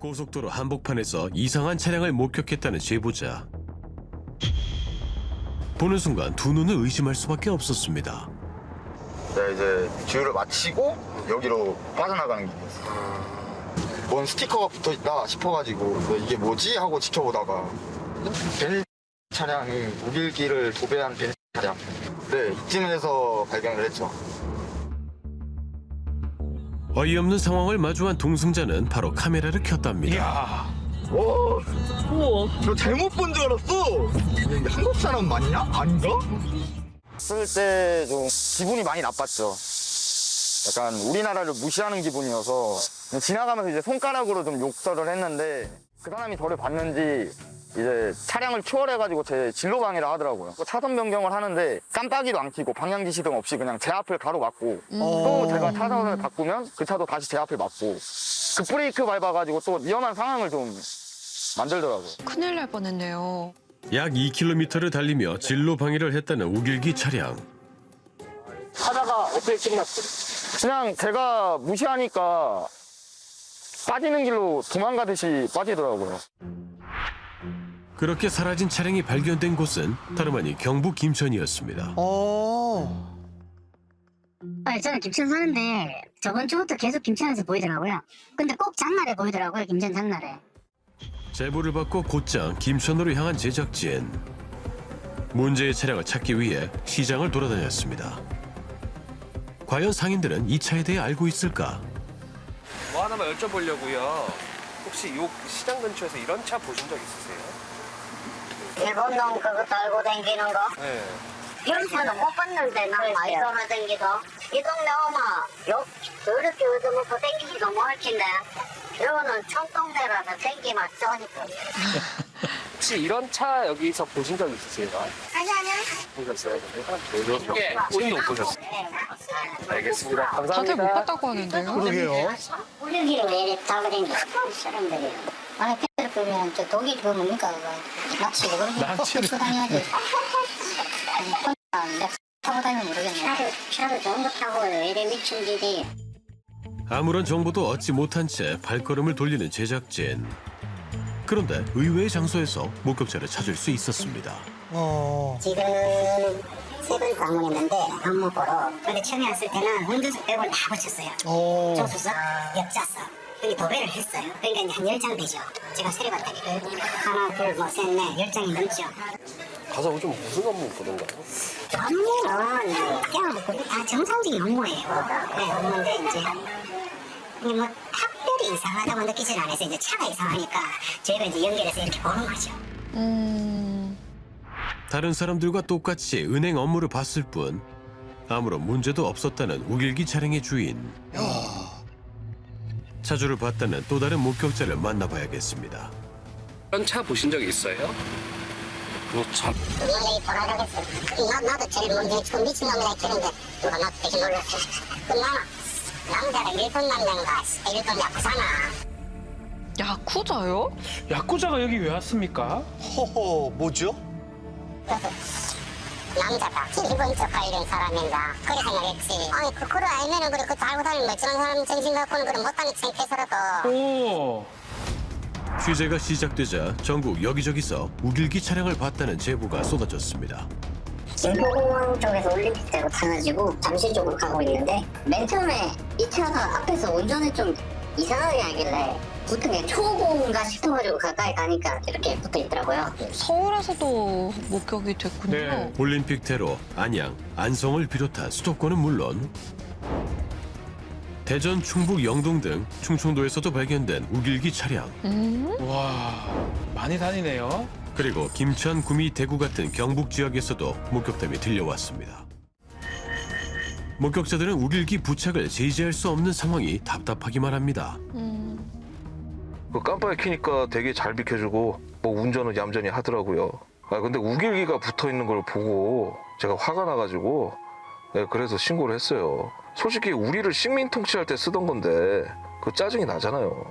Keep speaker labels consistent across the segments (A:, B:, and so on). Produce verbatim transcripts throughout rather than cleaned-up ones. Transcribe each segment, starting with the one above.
A: 고속도로 한복판에서 이상한 차량을 목격했다는 제보자. 보는 순간 두 눈을 의심할 수밖에 없었습니다.
B: 네, 이제 주유를 마치고 여기로 빠져나가는 길이었어요. 뭔 스티커가 붙어있다 싶어가지고 이게 뭐지? 하고 지켜보다가 베네 차량이 우길기를 도배한 베네 차량. 네, 이쯤에서 발견을 했죠.
A: 어이없는 상황을 마주한 동승자는 바로 카메라를 켰답니다.
C: 이야.
B: 오, 우와, 너 잘못 본 줄 알았어. 이게 한국 사람 맞냐? 아닌가? 쓸 때 좀 기분이 많이 나빴죠. 약간 우리나라를 무시하는 기분이어서 지나가면서 이제 손가락으로 좀 욕설을 했는데 그 사람이 저를 봤는지 이제 차량을 추월해가지고 제 진로 방해를 하더라고요. 차선 변경을 하는데 깜빡이도 안 켜고 방향 지시등 없이 그냥 제 앞을 가로막고
D: 음.
B: 또 제가 차선을 바꾸면 그 차도 다시 제 앞을 막고 그 브레이크 밟아가지고 또 위험한 상황을 좀 만들더라고요.
D: 큰일 날 뻔했네요.
A: 약 이 킬로미터를 달리며 진로 방해를 했다는 우길기 차량.
C: 하다가 어떻게 끝났어요?
B: 그냥 제가 무시하니까 빠지는 길로 도망가듯이 빠지더라고요.
A: 그렇게 사라진 차량이 발견된 곳은 다름 아닌 경북 김천이었습니다.
E: 어.
F: 아니, 저는 김천 사는데 저번 주부터 계속 김천에서 보이더라고요. 근데 꼭 장날에 보이더라고요, 김천 장날에.
A: 제보를 받고 곧장 김천으로 향한 제작진. 문제의 차량을 찾기 위해 시장을 돌아다녔습니다. 과연 상인들은 이 차에 대해 알고 있을까?
G: 뭐 하나만 여쭤보려고요. 혹시 요 시장 근처에서 이런 차 보신 적 있으세요?
F: 일본 놈 그거 달고 다니는 거?
G: 네.
F: 여기서는 못 봤는데 난 많이 돌아다니기도. 이 동네 오마 요 이렇게 얻어먹고 댕기기도 못할 텐데 이거는 청동네라서 댕기만 쩌니까.
G: 혹시 이런 차 여기서 보신 적 있으세요?
F: 아니 아니요.
G: 보셨어요? 예. 본인도 못 보셨어요?
F: 네.
G: 알겠습니다.
D: 다들 못
G: 감사합니다.
D: 봤다고 하는데요.
E: 그러게요.
F: 우리 길을 왜 이렇게 달고 다니는 사람들이. 아니 팬들 보면 저 독일 그거 뭡니까 그거 낚시고 그런 거
E: 낚시를.
F: 타고 다녀야지. 내가 타고 다니면 모르겠네. 차를 차를 좋은 거 타고 왜 이래 미친 짓이.
A: 아무런 정보도 얻지 못한 채 발걸음을 돌리는 제작진. 그런데 의외의 장소에서 목격자를 찾을 수 있었습니다.
E: 어.
F: 지금 세 번 방문했는데 방문 보러. 근데 처음에 왔을 때는 운전석 빼고는 다 고쳤어요.
E: 어.
F: 조수석, 옆좌석. 여기 도배를 했어요. 그러니까 이제 한 열 장 되죠. 제가 세려봤다니까. 하나, 둘, 뭐, 셋, 넷, 열 장이 넘죠.
G: 가서 좀 무슨 업무 보던가요?
F: 업무는 그냥 뭐 다 정상적인 업무예요. 네, 업무인데 이제 이게 뭐 특별히 이상하다고 느끼진 않아서 이제 차가 이상하니까 저희가 이제 연결해서 이렇게 보는 거죠.
D: 음,
A: 다른 사람들과 똑같이 은행 업무를 봤을 뿐 아무런 문제도 없었다는 우길기 차량의 주인. 차주를 봤다는 또 다른 목격자를 만나봐야겠습니다.
G: 이런 차 보신 적 있어요? 그렇죠.
F: 연예인 돌아가겠어요. 나, 나도 제일 먼저 처음 미친놈이라 했는데 누가 나도 되게 놀랐어. 끝나나 남자가 일본 남자인가 일본 야쿠사나.
D: 야쿠자요?
C: 야쿠자가 여기 왜 왔습니까?
E: 허허, 뭐죠?
F: 그래서 남자가 일본 쪽 관련 사람인가 그래 생각했지. 아니 그 그걸 알면은 그래 그 달고 다니는 멀쩡한 사람 정신 갖고는 그래 못다니 창피해서라도.
C: 오.
A: 취재가 시작되자 전국 여기저기서 우길기 차량을 봤다는 제보가 쏟아졌습니다.
F: 김포공항 쪽에서 올림픽대로 타가지고 잠실 쪽으로 가고 있는데 맨 처음에 이 차가 앞에서 운전을 좀 이상하게 하길래 붙은 게 초보인가 싶어가지고 가까이 가니까 이렇게 붙어 있더라고요.
D: 서울에서도 목격이 됐군요.
C: 네.
A: 올림픽 테러, 안양, 안성을 비롯한 수도권은 물론 대전, 충북, 영동 등 충청도에서도 발견된 우길기 차량.
D: 음?
C: 와, 많이 다니네요.
A: 그리고 김천, 구미, 대구 같은 경북 지역에서도 목격담이 들려왔습니다. 목격자들은 우길기 부착을 제지할 수 없는 상황이 답답하기만 합니다.
D: 음.
H: 그 깜빡이 켜니까 되게 잘 비켜주고 뭐 운전은 얌전히 하더라고요. 아 근데 우길기가 붙어 있는 걸 보고 제가 화가 나가지고 네, 그래서 신고를 했어요. 솔직히 우리를 식민 통치할 때 쓰던 건데 그 짜증이 나잖아요.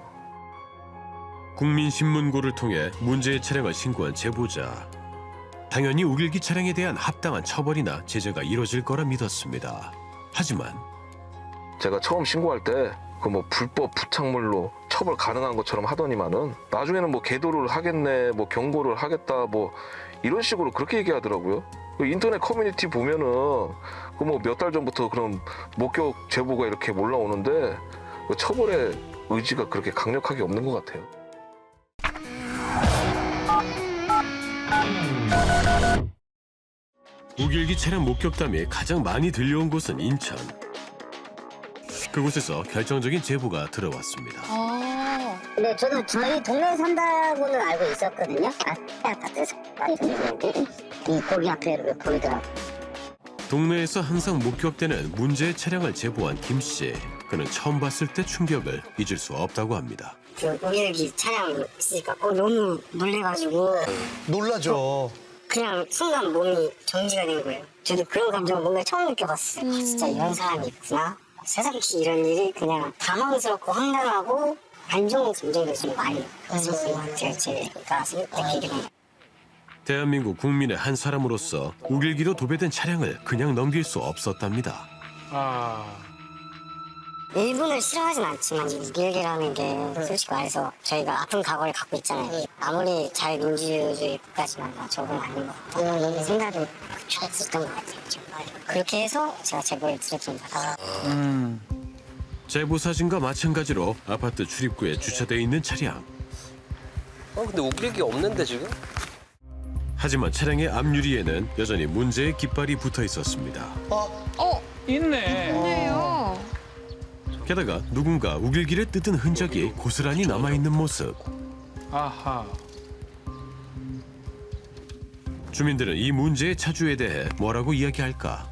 A: 국민신문고를 통해 문제의 차량을 신고한 제보자. 당연히 우길기 차량에 대한 합당한 처벌이나 제재가 이뤄질 거라 믿었습니다. 하지만
H: 제가 처음 신고할 때 그 뭐 불법 부착물로 처벌 가능한 것처럼 하더니만은 나중에는 뭐 계도를 하겠네, 뭐 경고를 하겠다, 뭐 이런 식으로 그렇게 얘기하더라고요. 그 인터넷 커뮤니티 보면은 그 뭐 몇 달 전부터 그런 목격 제보가 이렇게 올라오는데 그 처벌의 의지가 그렇게 강력하게 없는 것 같아요.
A: 우길기 차량 목격담이 가장 많이 들려온 곳은 인천. 그곳에서 결정적인 제보가 들어왔습니다.
D: 아,
F: 근데 저도 저희 동네 산다고는 알고 있었거든요. 아, 아파트에서 많이 들리는데 이 거기 앞에 이렇게 보이더라고.
A: 동네에서 항상 목격되는 문제의 차량을 제보한 김 씨. 그는 처음 봤을 때 충격을 잊을 수 없다고 합니다.
F: 그 우길기 차량 있으니까 어, 너무 놀래가지고
E: 놀라죠.
F: 그냥 순간 몸이 정지가 된 거예요. 저도 그런 감정을 뭔가 처음 느껴봤어요. 아, 진짜 이런 사람이 있구나. 세상에 이런 일이 그냥 당황스럽고 황당하고 안 좋은 감정이 좀 많이 있었던 것 같아요. 제가 느끼기로는.
A: 대한민국 국민의 한 사람으로서 우길기로 도배된 차량을 그냥 넘길 수 없었답니다.
C: 아,
F: 일본을 싫어하진 않지만 우길기라는 게 솔직히 말해서 저희가 아픈 각오를 갖고 있잖아요. 아무리 잘 민주주의 국가지만 저건 아닌 것 같다. 생각을 했었던 것 같아요. 정말. 그렇게 해서 제가 제보를 드렸습니다.
C: 음,
A: 제보 사진과 마찬가지로 아파트 출입구에 주차되어 있는 차량.
G: 어 근데 우길기 없는데 지금?
A: 하지만 차량의 앞유리에는 여전히 문제의 깃발이 붙어 있었습니다.
D: 어,
C: 있네.
D: 있네요.
A: 게다가 누군가 우길기를 뜯은 흔적이 고스란히 남아있는 모습.
C: 아하.
A: 주민들은 이 문제의 차주에 대해 뭐라고 이야기할까?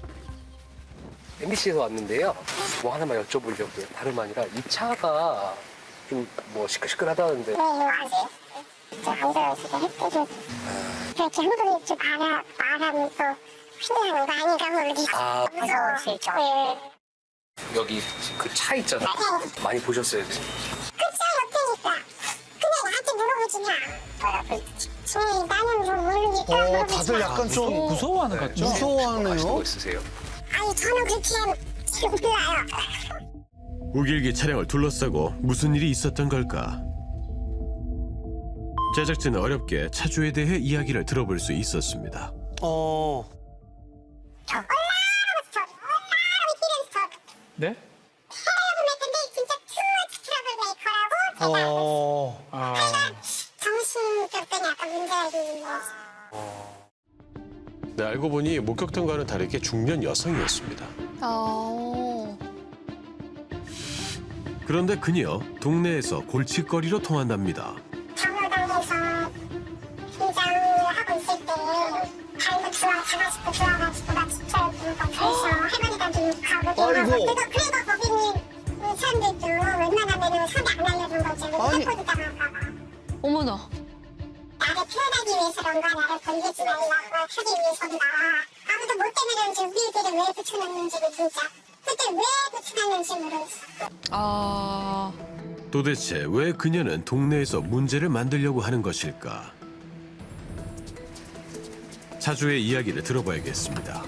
G: 엠비씨에서 왔는데요. 뭐 하나만 여쭤보려고요. 다름 아니라 이 차가 좀 뭐 시끌시끌하다는데.
I: 네, 이거 아세요? 저 앉아가지고 햇빛을 그렇게 한번에 좀 바람, 바람이 또 휘날리는 거 아닌가 모르겠어요.
G: 아,
I: 무서우시죠? 네.
G: 여기 그 차 있잖아. 많이 보셨어요?
I: 그 차 옆에니까. 근데 나한테 물어보지 마. 네, 나는 뭐 모르니까
E: 어,
I: 물어보지
E: 다들
I: 마.
E: 약간 좀
C: 무서워하는 것 같죠?
G: 아시는
E: 무서워하네요.
G: 거 있으세요?
I: 아니, 저는 그렇게 몰라요.
A: 우길기 차량을 둘러싸고 무슨 일이 있었던 걸까? 제작진은 어렵게 차주에 대해 이야기를 들어볼 수 있었습니다.
E: 어.
I: 저 올라오면서 저 올라오면 뛰면서 저
C: 네?
I: 사람을 했는데 진짜 투머치 트러블 메이커라고 제가
E: 어.
C: 아,
I: 정신적인 약간 문제가 있는 거지.
A: 네, 알고 보니 목격담과는 다르게 중년 여성이었습니다.
D: 아,
A: 그런데 그녀 동네에서 골칫거리로 통한답니다.
I: 경로당에서 긴장을 하고 있을 때 발도 좋아 잡아주고 좋아가지고 나 진짜 그래서 할머니가 좀 가고
E: 아이고.
I: 그래도 그래도 거기는 이 사람들도 웬만하면 손이 안 알려준 거지.
E: 아니.
I: 해코지 당할까 봐.
D: 어머나.
I: 나를 표현하기 위해서런가 나를 건들지 말라고 하기 위해서인가 아무도 못 때문에 우리들을 왜 붙여놨는지를 진짜 그때 왜 붙여놨는지 모르겠어.
D: 아,
A: 도대체 왜 그녀는 동네에서 문제를 만들려고 하는 것일까? 차주의 이야기를 들어봐야겠습니다.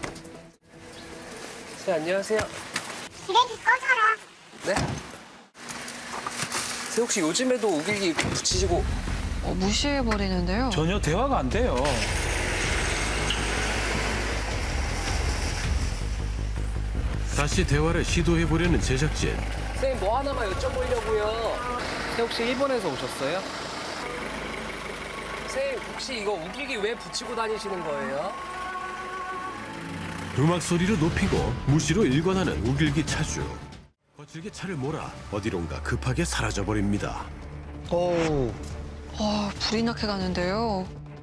G: 네, 안녕하세요.
I: 그래도 꺼져라.
G: 네? 네, 혹시 요즘에도 우길기 붙이시고
D: 어, 무시해버리는데요.
C: 전혀 대화가 안 돼요.
A: 다시 대화를 시도해보려는 제작진.
G: 선생님 뭐 하나만 여쭤보려고요. 선생님 혹시 일본에서 오셨어요? 선생님 혹시 이거 우길기 왜 붙이고 다니시는 거예요?
A: 음악 소리를 높이고 무시로 일관하는 우길기 차주. 거칠게 차를 몰아 어디론가 급하게 사라져버립니다.
E: 어.
D: 아, 불이 나게 가는데요.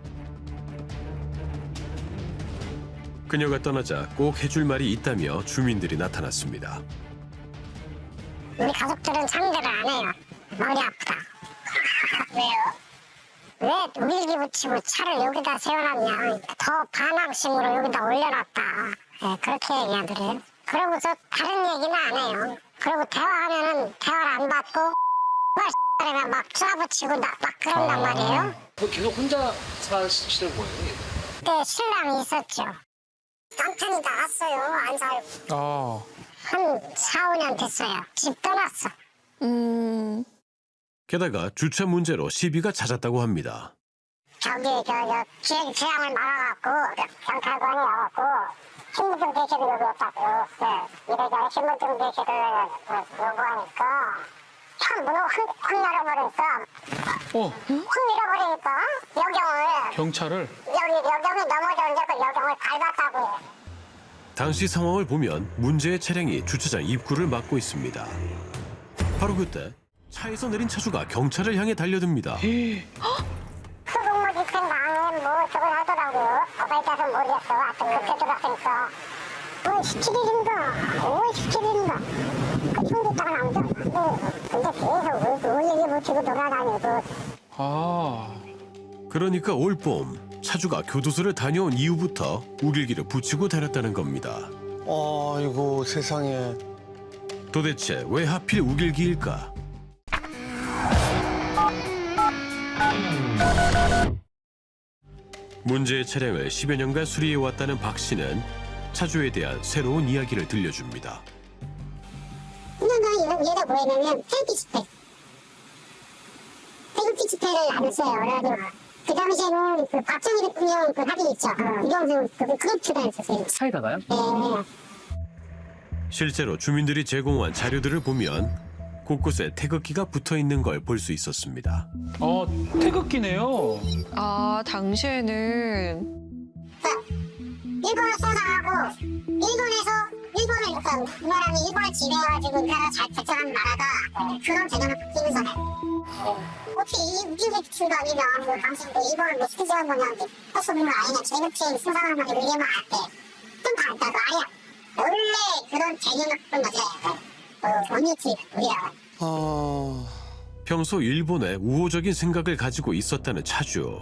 A: 그녀가 떠나자 꼭 해줄 말이 있다며 주민들이 나타났습니다.
I: 우리 가족들은 상대를 안 해요. 머리 아프다. 왜요? 왜 우길기 붙이고 차를 여기다 세워놨냐. 더 반항심으로 여기다 올려놨다. 네, 그렇게 얘기하더래요. 그러고서 다른 얘기는 안 해요. 그리고 대화하면은 대화를 안 받고 막 막 쏴붙이고 나, 막 그런단 말이에요.
G: 뭐 계속 혼자 사시는 거예요?
I: 그때 신랑이 있었죠. 남편이 나갔어요. 안 살고.
C: 아,
I: 한 사, 오 년 됐어요. 집 떠났어.
D: 음,
A: 게다가 주차 문제로 시비가 잦았다고 합니다.
I: 저기 저저 제 재앙을 막아갖고 경찰관이 와갖고 신분증 대체도 요구했다고. 네. 이래저래 신분증 대체를 요구하니까 참 문을 확, 확 열어버리니까
C: 어,
I: 확 밀어버리니까 여경을
C: 경찰을.
I: 여기 여경이 넘어졌는데 그 여경을 밟았다고.
A: 당시 상황을 보면 문제의 차량이 주차장 입구를 막고 있습니다. 바로 그때 차에서 내린 차주가 경찰을 향해 달려듭니다.
I: 수동모 집행방해 뭐 저걸 하더라고요. 거기까지 모르겠어. 하여튼 그렇게 들었으니까 뭐 십칠 일인가 오월 십칠 일인가 그 정도 있다가 나오죠. 네. 근데 계속 우 얘기 붙이고 돌아다니고.
C: 아,
A: 그러니까 올봄 차주가 교도소를 다녀온 이후부터 우길기를 붙이고 다녔다는 겁니다.
E: 아이고 세상에.
A: 도대체 왜 하필 우길기일까? 문제의 차량을 십여 년간 수리해왔다는 박 씨는 차주에 대한 새로운 이야기를 들려줍니다.
I: 그냥 얘가 뭐였냐면 태극기 집회. 태극기 집회를 안 했어요. 그래가지고 그 당시에는 그 박정희 대통령 그 합의 있죠. 이동수 그 그룹 출연했었어요.
G: 사이다가요?
I: 네.
A: 실제로 주민들이 제공한 자료들을 보면 곳곳에 태극기가 붙어 있는 걸 볼 수 있었습니다.
C: 어, 태극기네요.
D: 아, 당시에는
I: 일본을 수상하고 일본에서 일본을 그러니까 그 나라는 일본을 지배해가지고 이 나라 잘 결정한 나라가 그런 개념을 바뀌면서 어떻게 이 우길기 출가 아니면 뭐 당신 뭐 일본을 뭐 스키지 한 거냐 할 수 없는 거 아니냐 제국주의 수상한 거냐 이래만 할때좀 다르다고 아예 원래 그런 개념을 바꾼 거죠. 어, 원유치 우리가
E: 아.
A: 평소 일본에 우호적인 생각을 가지고 있었다는 차주.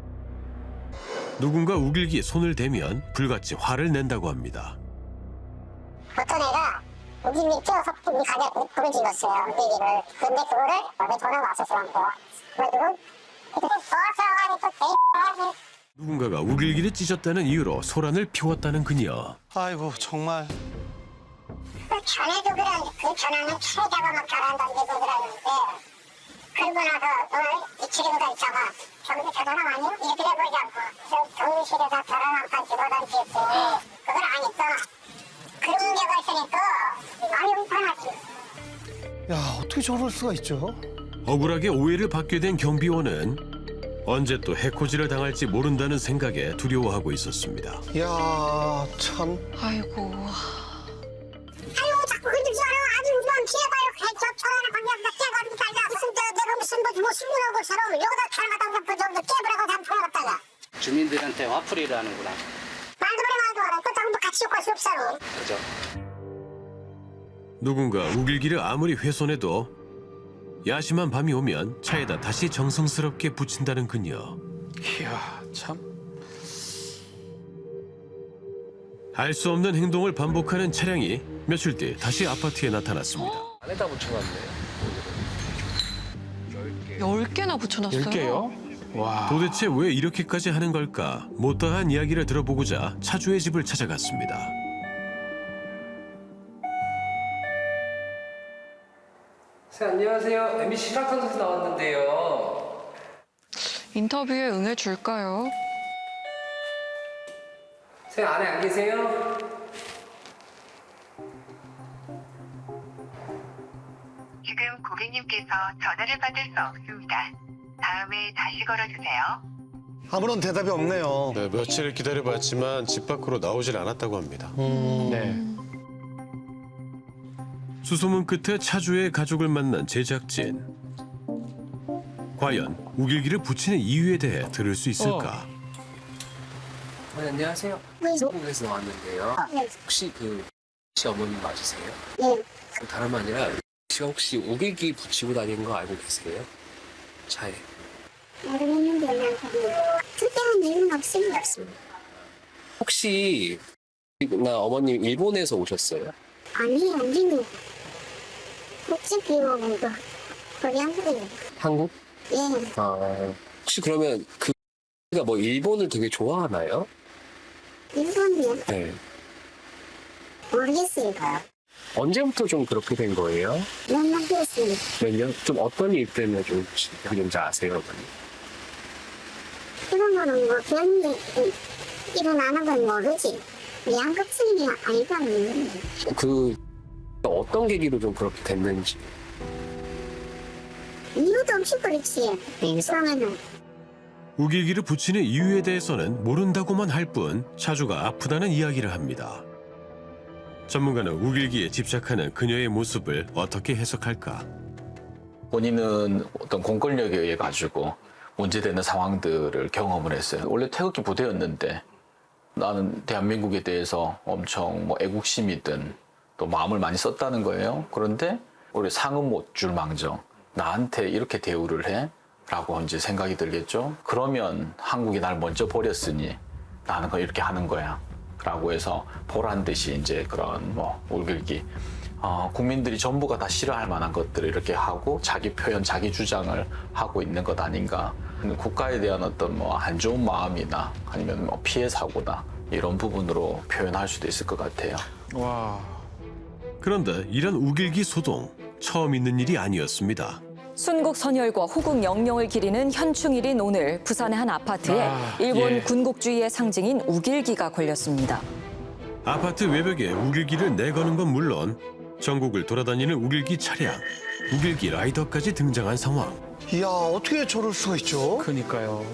A: 누군가 우길기에 손을 대면 불같이 화를 낸다고 합니다.
I: 어떤 애가 우길기 뛰어서 우리 가게 불을 질렀어요. 우길기를. 근데 그거를 원래 전화가 왔었어요. 그래가지고 그때 좋아서 또 개.
A: 누군가가 우길기를 찢었다는 이유로 소란을 피웠다는 그녀.
E: 아이고 정말.
I: 그 전에도 그런 그 전화는 최자가 막 잘한다는 데도 그러는데 그러고 나서 오늘 이 친구가 있잖아. 저기서 저 사람 아니야? 이렇게 해보자고. 저 경비실에서 저런 한판 집어던지고 그걸 아니까 그런 문제가 있으니까 많이 불편하지.
E: 야 어떻게 저럴 수가 있죠?
A: 억울하게 오해를 받게 된 경비원은 언제 또 해코지를 당할지 모른다는 생각에 두려워하고 있었습니다.
E: 야 참.
D: 아이고.
I: 아유 자꾸 흔들지 마라. 아주 우리만 피해봐요. 저 저런 관계가 깨가지고 달라. 무슨 저 내가 무슨 뭐뭐 신문하고처럼 여기다 닮았다 그 정도 깨버리고 다 풀어갔다가
J: 주민들한테 화풀이를 하는구나.
I: 말도 그래 말도 그래. 그 정도 같이 욕할 수 없어.
J: 그죠?
A: 누군가 우길기를 아무리 훼손해도 야심한 밤이 오면 차에다 다시 정성스럽게 붙인다는 그녀.
C: 이야, 참.
A: 알 수 없는 행동을 반복하는 차량이 며칠 뒤 다시 아파트에 나타났습니다.
G: 안에다 붙여놨네.
D: 열 개나 붙여놨어요.
C: 열 개요? 와.
A: 도대체 왜 이렇게까지 하는 걸까? 못다한 이야기를 들어보고자 차주의 집을 찾아갔습니다.
G: 선생님 안녕하세요. 엠비씨 실화탐사에서 나왔는데요.
D: 인터뷰에 응해줄까요?
G: 선생님 안에 안 계세요?
K: 지금 고객님께서 전화를 받을 수 없습니다. 다음에 다시 걸어주세요.
E: 아무런 대답이 없네요.
L: 네, 며칠을 기다려봤지만 집 밖으로 나오질 않았다고 합니다.
E: 음.
C: 네.
A: 수소문 끝에 차주의 가족을 만난 제작진. 과연 우길기를 붙이는 이유에 대해 들을 수 있을까?
G: 네, 안녕하세요. 한국에서 나왔는데요. 혹시 그 씨 어머님 맞으세요?
I: 예.
G: 그 다름 아니라 씨가 혹시 우길기 붙이고 다니는 거 알고 계세요? 차에.
I: 모르겠는데 그냥 특별한 이유는 없습니다.
G: 혹시 나 어머님 일본에서 오셨어요?
I: 아니 우리는 국제 비용으로 거기 한국이에요.
G: 한국?
I: 예.
G: 아 혹시 그러면 그가 뭐 일본을 되게 좋아하나요?
I: 일본이요?
G: 네.
I: 모르겠어요.
G: 언제부터 좀 그렇게 된 거예요?
I: 몇년 됐습니다.
G: 몇 년? 좀 어떤 일 때문에 좀 그런지 아세요?
I: 그런 거는 뭐 그냥 일어나는 건 모르지. 양극성이 아니다는
G: 그 어떤 계기로 좀 그렇게 됐는지.
I: 이유도 없이 그렇지. 이상하면
A: 우길기를 붙이는 이유에 대해서는 모른다고만 할 뿐 차주가 아프다는 이야기를 합니다. 전문가는 우길기에 집착하는 그녀의 모습을 어떻게 해석할까?
M: 본인은 어떤 공권력에 의해 가지고 문제되는 상황들을 경험을 했어요. 원래 태극기 부대였는데 나는 대한민국에 대해서 엄청 뭐 애국심이든 또 마음을 많이 썼다는 거예요. 그런데 우리 상은 못 줄 망정 나한테 이렇게 대우를 해? 라고 이제 생각이 들겠죠. 그러면 한국이 날 먼저 버렸으니 나는 거 이렇게 하는 거야. 라고 해서 보란 듯이 이제 그런 뭐 울길기 어, 국민들이 전부가 다 싫어할 만한 것들을 이렇게 하고 자기 표현, 자기 주장을 하고 있는 것 아닌가. 국가에 대한 어떤 뭐 안 좋은 마음이나 아니면 뭐 피해 사고나 이런 부분으로 표현할 수도 있을 것 같아요.
C: 와.
A: 그런데 이런 우길기 소동 처음 있는 일이 아니었습니다.
N: 순국 선열과 호국 영령을 기리는 현충일인 오늘 부산의 한 아파트에
C: 아,
N: 일본
C: 예.
N: 군국주의의 상징인 우길기가 걸렸습니다.
A: 아파트 외벽에 우길기를 내거는 건 물론 전국을 돌아다니는 우길기 차량, 우길기 라이더까지 등장한 상황.
E: 이야, 어떻게 저럴 수가 있죠?
C: 그니까요.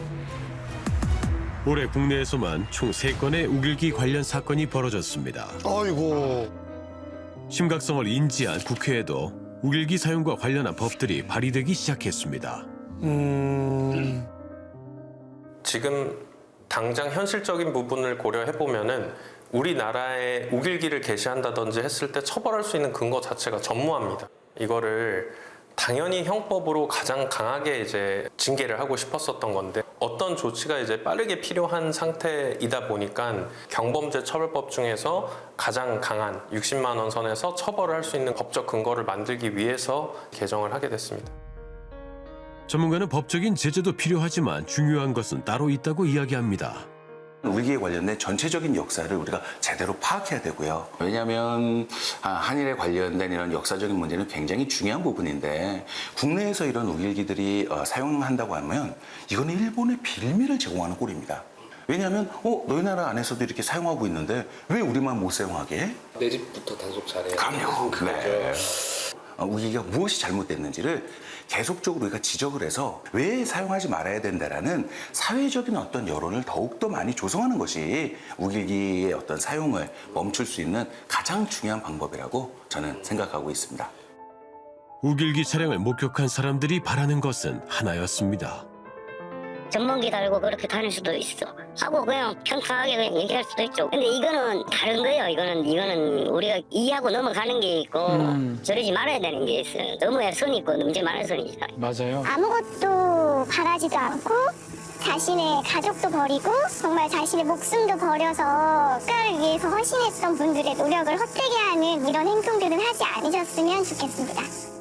A: 올해 국내에서만 총 세 건의 우길기 관련 사건이 벌어졌습니다.
E: 아이고.
A: 심각성을 인지한 국회에도 우길기 사용과 관련한 법들이 발의되기 시작했습니다.
E: 음.
L: 지금 당장 현실적인 부분을 고려해보면은 우리나라에 우길기를 게시한다든지 했을 때 처벌할 수 있는 근거 자체가 전무합니다. 이거를 당연히 형법으로 가장 강하게 이제 징계를 하고 싶었었던 건데 어떤 조치가 이제 빠르게 필요한 상태이다 보니까 경범죄 처벌법 중에서 가장 강한 육십만 원 선에서 처벌을 할 수 있는 법적 근거를 만들기 위해서 개정을 하게 됐습니다.
A: 전문가는 법적인 제재도 필요하지만 중요한 것은 따로 있다고 이야기합니다.
O: 우길기에 관련된 전체적인 역사를 우리가 제대로 파악해야 되고요. 왜냐하면 한일에 관련된 이런 역사적인 문제는 굉장히 중요한 부분인데 국내에서 이런 우길기들이 사용한다고 하면 이거는 일본의 빌미를 제공하는 꼴입니다. 왜냐하면 어, 너희 나라 안에서도 이렇게 사용하고 있는데 왜 우리만 못 사용하게 해?
G: 내 집부터 단속 잘해.
O: 그럼요. 네. 우길기가 무엇이 잘못됐는지를 계속적으로 우리가 지적을 해서 왜 사용하지 말아야 된다라는 사회적인 어떤 여론을 더욱더 많이 조성하는 것이 우길기의 어떤 사용을 멈출 수 있는 가장 중요한 방법이라고 저는 생각하고 있습니다.
A: 우길기 차량을 목격한 사람들이 바라는 것은 하나였습니다.
F: 전문기 달고 그렇게 다닐 수도 있어. 하고 그냥 평탄하게 그냥 얘기할 수도 있죠. 근데 이거는 다른 거예요. 이거는 이거는 우리가 이해하고 넘어가는 게 있고
C: 음.
F: 저러지 말아야 되는 게 있어요. 너무야 선이 있고 문제 많은 선이죠.
C: 맞아요.
I: 아무것도 바라지도 않고 자신의 가족도 버리고 정말 자신의 목숨도 버려서 국가를 위해서 헌신했던 분들의 노력을 헛되게 하는 이런 행동들은 하지 않으셨으면 좋겠습니다.